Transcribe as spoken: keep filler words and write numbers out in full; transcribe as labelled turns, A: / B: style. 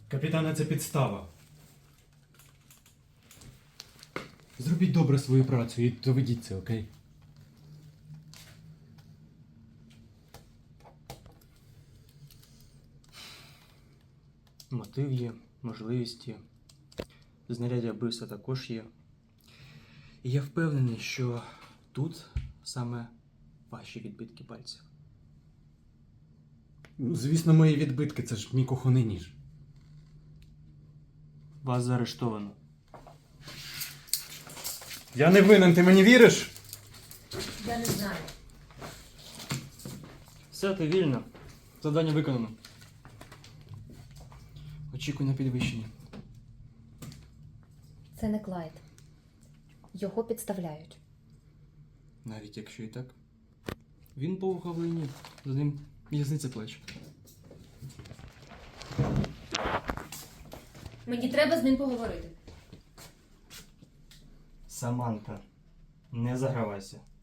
A: Капітане, це підстава. Зробіть добре свою працю і доведіть це, окей?
B: Мотив є, можливість є. Знаряддя вбивства також є. І я впевнений, що тут саме ваші відбитки пальців.
A: Ну, звісно, мої відбитки, це ж мій кухонний ніж.
B: Вас заарештовано.
A: Я не винен, ти мені віриш?
C: Я не знаю.
B: Все, ти вільно. Завдання виконано. Очікуй на підвищення.
C: Це не Клайд. Його підставляють.
B: Навіть якщо і так. Він по вуха в лайні. За ним в'язниця плеч.
C: Мені треба з ним поговорити.
B: Саманта, не загравайся.